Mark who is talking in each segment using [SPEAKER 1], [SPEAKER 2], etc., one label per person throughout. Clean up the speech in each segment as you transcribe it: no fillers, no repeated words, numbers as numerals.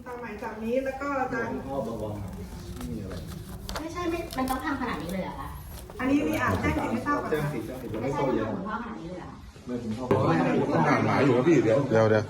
[SPEAKER 1] ามหมายจับนี้แล้วก็จะ
[SPEAKER 2] พ่อเบาๆไม่มีอะไร
[SPEAKER 3] ไม่ใช่มันต้องทำขนาดนี้เลยเหรอคะ
[SPEAKER 1] อันนี้มีอ่านแจ้งสิทธิ์ไม่ทราบก่อน
[SPEAKER 2] แจ้ง
[SPEAKER 1] ค่ะ
[SPEAKER 2] สิทธิ์แล้ว
[SPEAKER 3] ไม่
[SPEAKER 2] ไม่
[SPEAKER 3] ใช่
[SPEAKER 2] เข้า
[SPEAKER 3] ต้อง
[SPEAKER 2] เย็น
[SPEAKER 3] ทำคุณพ่อขนาดนี้เลยเหรอ
[SPEAKER 2] ไม่ถึงพ่อ
[SPEAKER 4] ต้องอ่านหมายอยู่ครับพี่เดี๋ยว
[SPEAKER 2] ไม่ได้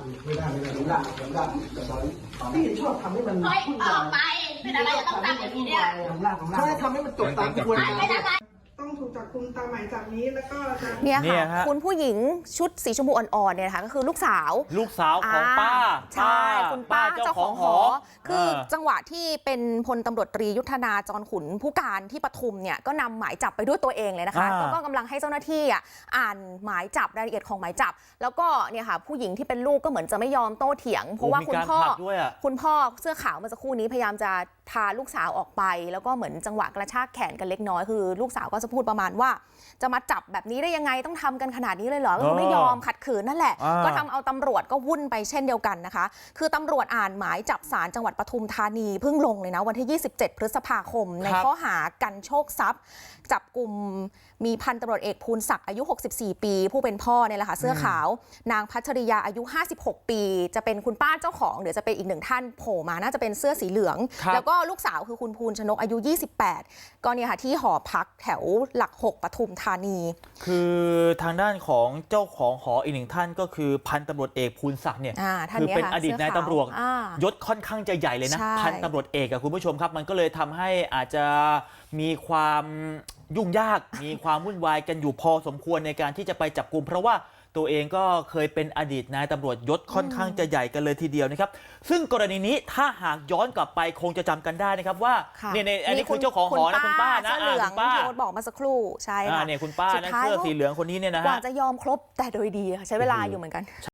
[SPEAKER 5] พี่ชอบทำให้มัน
[SPEAKER 3] เฮ้ยออกไปเป็นอะไรจะต้องทำอย่างนี้เนี่ย
[SPEAKER 5] เขาให้ทำให้มันจบตามกระบวนการ
[SPEAKER 3] เป็นอะไร
[SPEAKER 1] ต้องถูกจับกุมตามหมายจับนี้แล้วก็จะ
[SPEAKER 6] เนี่ย
[SPEAKER 7] เนี่ย
[SPEAKER 6] ค่ะ
[SPEAKER 7] ฮะ
[SPEAKER 6] คุณผู้หญิงชุดสีชมพูอ่อนๆเนี่ยนะคะก็คือลูกสาว
[SPEAKER 7] ลูกสาวของป้า
[SPEAKER 6] ใช่คุณป้าเจ้าของหอคือ
[SPEAKER 7] เออ
[SPEAKER 6] จังหวะที่เป็นพลตำรวจตรียุทธนาจรขุนผู้การที่ปทุมเนี่ยก็นำหมายจับไปด้วยตัวเองเลยนะคะแล้วก็กำลังให้เจ้าหน้าที่อ่านหมายจับรายละเอียดของหมายจับ แล้วก็เนี่ยค่ะผู้หญิงที่เป็นลูกก็เหมือนจะไม่ยอมโต้เถียง เพราะว่าคุณพ่อเสื้อขาวเมื่อสักครู่นี้พยายามจะพาลูกสาวออกไป แล้วก็เหมือนจังหวะกระชากแขนกันเล็กน้อยคือลูกสาวก็จะพูดประมาณว่าจะมาจับแบบนี้ได้ยังไงต้องทำกันขนาดนี้เลยเหรอก็คือไม่ยอมขัดขืนนั่นแหละก็ทำเอาตำรวจก็วุ่นไปเช่นเดียวกันนะคะคือตำรวจอ่านหมายจับศาลจังหวัดปทุมธานีเพิ่งลงเลยนะวันที่ 27 พฤษภาคมในข้อหากันโชคทรัพย์จับกลุ่มมีพันตำรวจเอกภูลศักดิ์อายุ64ปีผู้เป็นพ่อเนี่ยแหละค่ะเสื้อขาวนางพัชริยาอายุ56ปีจะเป็นคุณป้าเจ้าของเดี๋ยวจะเป็นอีกหนึ่งท่านโผล่มาน่าจะเป็นเสื้อสีเหลืองแล้วก็ลูกสาวคือคุณภูลชนกอายุ28ก็เนี่ยค่ะที่หอพักแถวหลัก6ปทุมธานี
[SPEAKER 7] คือทางด้านของเจ้าของหออีกหนึ่งท่านก็คือพันตำรวจเอกภูลศักดิ์เนี่ยคือเป็นอดีตนายตำรวจยศค่อนข้างจะใหญ่เลยนะพันตำรวจเอกอะคุณผู้ชมครับมันก็เลยทำให้อาจจะมีความยุ่งยากมีความวุ่นวายกันอยู่พอสมควรในการที่จะไปจับกุมเพราะว่าตัวเองก็เคยเป็นอดีตนายตำรวจยศค่อนข้างจะใหญ่กันเลยทีเดียวนะครับซึ่งกรณีนี้ถ้าหากย้อนกลับไปคงจะจำกันได้นะครับว่าเนี่ยอันนี้คือเจ้าของหอนะคุณป้านะ
[SPEAKER 6] คุณป้าที่บอกมาสักครู่ใช่ค่ะ
[SPEAKER 7] เนี่ยคุณป้านะเสื้อสีเหลืองคนนี้เนี่ยนะฮะ
[SPEAKER 6] กว่าจะยอมครบแต่โดยดีใช้เวลาอยู่เหมือนกัน